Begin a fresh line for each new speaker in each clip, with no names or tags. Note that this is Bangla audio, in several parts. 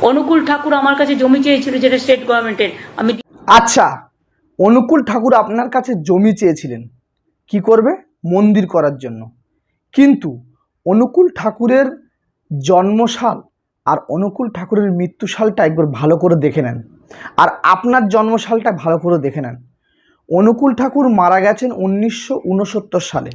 অনুকূল ঠাকুর আমার কাছে জমি চেয়েছিল, যেটা স্টেট গভর্নমেন্টের। আমি
আচ্ছা, অনুকূল ঠাকুর আপনার কাছে জমি চেয়েছিলেন কি করবে? মন্দির করার জন্য। কিন্তু অনুকূল ঠাকুরের জন্মসাল আর অনুকূল ঠাকুরের মৃত্যুসালটা একবার ভালো করে দেখে নেন, আর আপনার জন্মসালটা ভালো করে দেখে নেন। অনুকূল ঠাকুর মারা গেছেন 1969 সালে,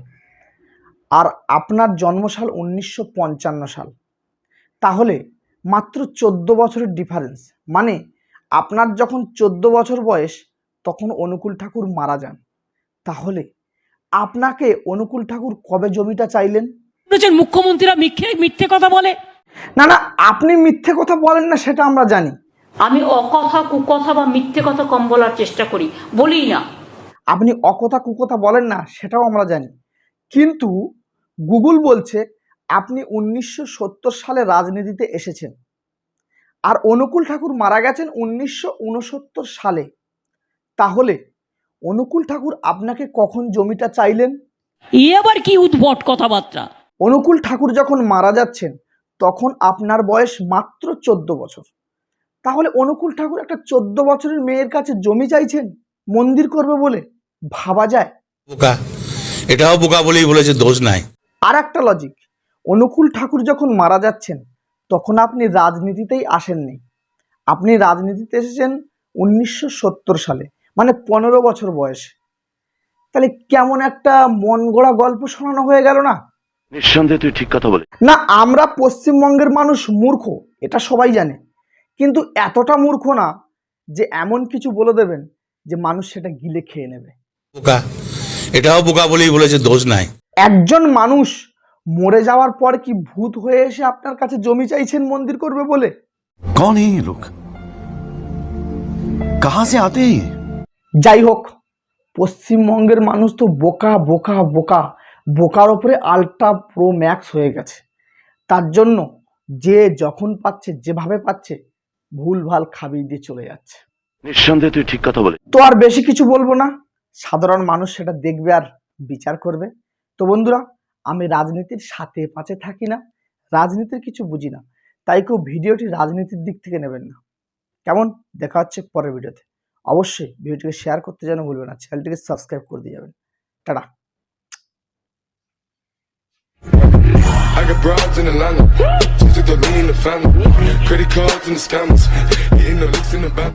আর আপনার জন্মসাল 1955 সাল। তাহলে মাত্র 14 বছরের ডিফারেন্স। মানে আপনার যখন 14 বছর বয়স তখন অনুকূল ঠাকুর মারা যান। তাহলে আপনাকে অনুকূল ঠাকুর কবে জমিটা চাইলেন?
মুখ্যমন্ত্রীরা মিথ্যে কথা বলে।
না না, আপনি মিথ্যে কথা বলেন না সেটা আমরা জানি।
আমি অকথা কুকথা বা মিথ্যে কথা কম বলার চেষ্টা করি, বলি না।
আপনি অকথা কুকথা বলেন না সেটাও আমরা জানি, কিন্তু গুগল বলছে আপনি 1970 সালে রাজনীতিতে এসেছেন, আর অনুকূল ঠাকুর মারা গেছেন 1969 সালে। তাহলে অনুকূল ঠাকুর আপনাকে কখন জমিটা চাইলেন?
আবার কি উদ্ভট কথাবার্তা!
অনুকূল ঠাকুর যখন মারা যাচ্ছেন তখন আপনার বয়স মাত্র 14 বছর। তাহলে অনুকূল ঠাকুর একটা 14 বছরের মেয়ের কাছে জমি চাইছেন মন্দির করবে বলে? ভাবা যায়?
বোকা, এটাও বোকা বলেই বলেছে, দোষ নাই।
আর একটা লজিক, অনুকূল ঠাকুর যখন মারা যাচ্ছেন তখন আপনি রাজনীতিতেই আসেননি, আপনি রাজনীতিতে এসেছেন 1970 সালে, মানে 15 বছর বয়সে। তাহলে কেমন একটা মন গড়া গল্প শোনানো হয়ে গেল না?
নিঃসন্দেহে তুই ঠিক কথা বলে।
না, আমরা পশ্চিমবঙ্গের মানুষ মূর্খ, এটা সবাই জানে, কিন্তু এতটা মূর্খ না যে এমন কিছু বলে দেবেন যে মানুষ সেটা গিলে খেয়ে নেবে।
বোকা, এটাও বোকা বলেই বলেছে, দোষ নাই।
একজন মানুষ মরে যাওয়ার পর কি ভূত হয়ে এসে আপনার কাছে জমি চাইছেন মন্দির করবে বলে?
कौन है ये लोग? कहां से आते हैं ये?
যাই হোক, পশ্চিমবঙ্গের মানুষ তো বোকা বোকা বোকা, বোকার ওপরে আলট্রা প্রো ম্যাক্স হয়ে গেছে। তার জন্য যে যখন পাচ্ছে যেভাবে পাচ্ছে ভুলভাল খাবিয়ে দিয়ে চলে যাচ্ছে।
নিঃসন্দেহে তুই ঠিক কথা বলে।
তো আর বেশি কিছু বলবো না, সাধারণ মানুষ সেটা দেখবে আর বিচার করবে। তো বন্ধুরা, আমি রাজনীতির সাথে পাশে থাকি না, রাজনীতির কিছু বুঝি না, তাই কেউ ভিডিওটি রাজনীতির দিক থেকে নেবেন না। কেমন? দেখা হচ্ছে পরের ভিডিওতে। অবশ্যই ভিডিওটিকে শেয়ার করতে যেন ভুলবেন না, চ্যানেলটিকে সাবস্ক্রাইব করে দিয়ে যাবেন। Tata.
I got broads in Atlanta, just took the lean in the family, credit cards and the scammers, hitting the licks in the back.